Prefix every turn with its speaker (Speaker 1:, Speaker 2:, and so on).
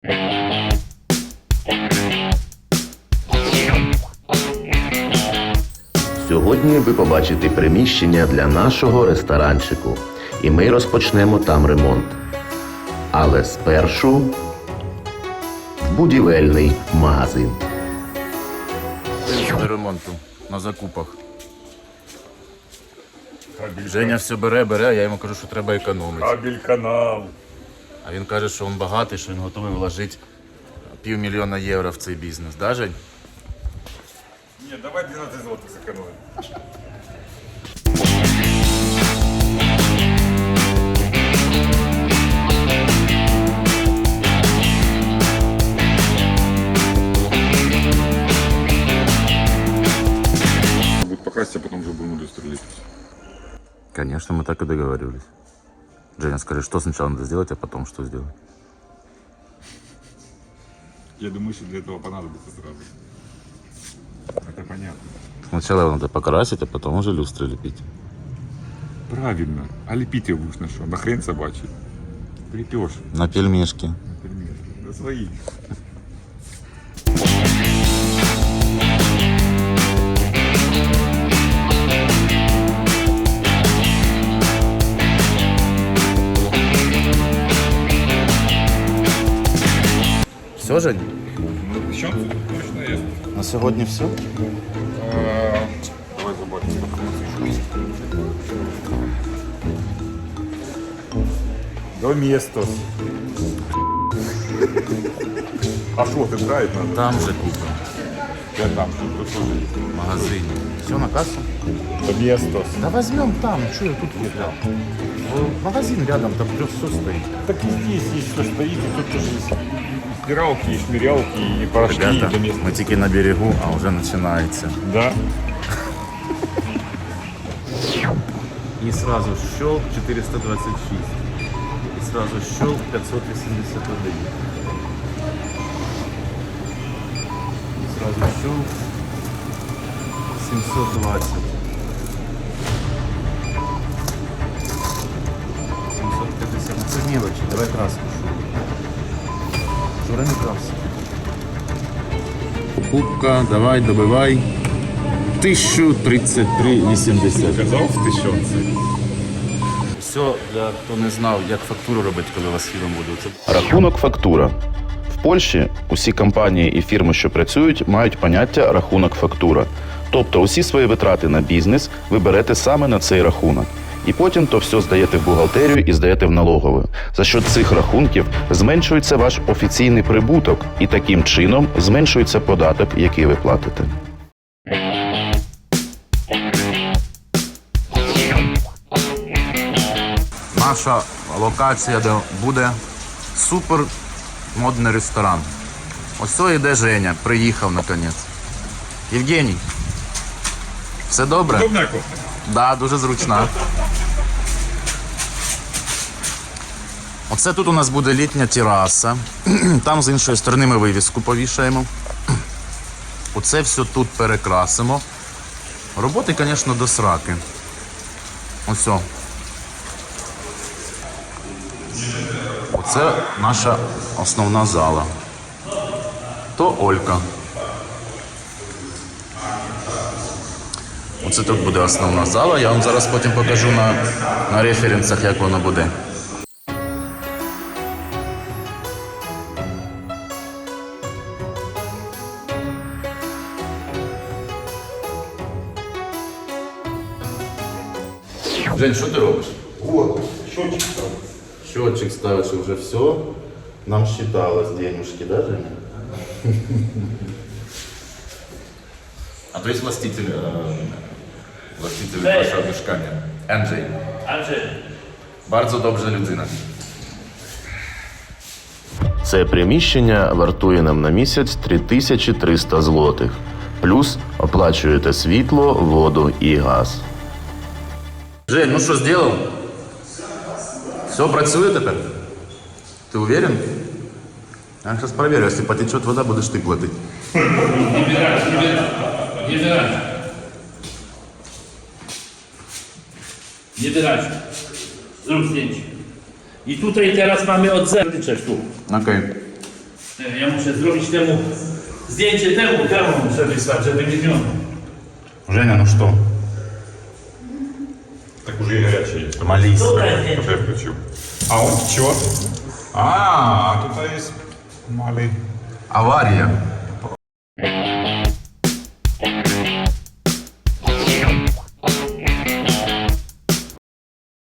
Speaker 1: Сьогодні ви побачите приміщення для нашого ресторанчику, і ми розпочнемо там ремонт. Але спершу будівельний магазин.
Speaker 2: До ремонту на закупах. Женя все бере, а я йому кажу, що треба економити.
Speaker 3: Кабель-канал.
Speaker 2: А він каже, що він багатий, що він готовий вложити $500 000 євро в цей бізнес. Да, Жень?
Speaker 3: Ні, давай 12 злотих зекономимо. Будет покрасить, а потом уже будем люстру лепить.
Speaker 2: Конечно, мы так и договаривались. Женя, скажи, что сначала надо сделать, а потом что сделать?
Speaker 3: Я думаю, что для этого понадобится сразу. Это понятно.
Speaker 2: Сначала его надо покрасить, а потом уже люстры лепить.
Speaker 3: Правильно. А лепить его будешь на что? На хрен собачий. Припешь.
Speaker 2: На пельмешки.
Speaker 3: Например. На свои.
Speaker 2: Все, Жень?
Speaker 3: Ну, еще точно есть.
Speaker 2: На сегодня все?
Speaker 3: Давай забудем. Доместос. А что, ты драйв надо?
Speaker 2: Там же купим.
Speaker 3: Я там, тут тоже есть.
Speaker 2: В магазине. Все на кассу?
Speaker 3: Доместос.
Speaker 2: Да возьмем там, что я тут взял? Магазин рядом, там все стоит.
Speaker 3: Так и здесь есть что стоит, и тут тоже есть и стиралки, и шмырялки, и порошки,
Speaker 2: Ребята,
Speaker 3: и доместос.
Speaker 2: мы тільки на берегу, а уже начинается.
Speaker 3: Да.
Speaker 2: И сразу щелк 426. И сразу щелк 581. И сразу щелк 720. 750. Ну, це мелочі, давай краску. Жура не краску. Покупка, давай, добивай. 1033,80.
Speaker 3: Казав в тисячонці.
Speaker 2: Все, для хто не знав, як фактуру робити, коли у вас фірма буде.
Speaker 1: Рахунок фактура. В Польщі усі компанії і фірми, що працюють, мають поняття рахунок фактура. Тобто усі свої витрати на бізнес ви берете саме на цей рахунок. І потім то все здаєте в бухгалтерію і здаєте в налогову. За що цих рахунків зменшується ваш офіційний прибуток і таким чином зменшується податок, який ви платите.
Speaker 2: Наша локація, де буде супер модний ресторан. Ось йде Женя, приїхав наконець. Євгеній, все добре?
Speaker 3: Удобна кофта?
Speaker 2: Да, дуже зручна. Оце тут у нас буде літня тераса. Там з іншої сторони ми вивіску повішаємо. Оце все тут перекрасимо. Роботи, звісно, до сраки. Ось. Оце наша основна зала. То Олька. Оце тут буде основна зала. Я вам зараз потім покажу на референсах, як воно буде. Жень, що ти робиш?
Speaker 3: Вот, счетчик там.
Speaker 2: Счетчик ставиш і вже все. Нам считалось денежки, да, Женя? А то есть властитель вашого mieszkania. Andrzej. Bardzo dobrze людина.
Speaker 1: Це приміщення вартує нам на місяць 3300 злотих. Плюс оплачуєте світло, воду і газ.
Speaker 2: Жень, ну що, зробив? Все, працює тепер? Ти уверен? Я зараз перевірю, якщо потече вода, будеш ти платити.
Speaker 4: Nie wyraźnie. Zrób zdjęcie. I tutaj teraz mamy od zera. Tu.
Speaker 2: Окей.
Speaker 4: Ja muszę zrobić temu zdjęcie temu muszę wysłać, żeby nie zmienił.
Speaker 2: Женя, ну что?
Speaker 3: Так уже и горячее есть.
Speaker 2: Молись.
Speaker 4: Добре здjęcie.
Speaker 3: Уже включил. А он чего? А тут есть малый.
Speaker 2: Авария.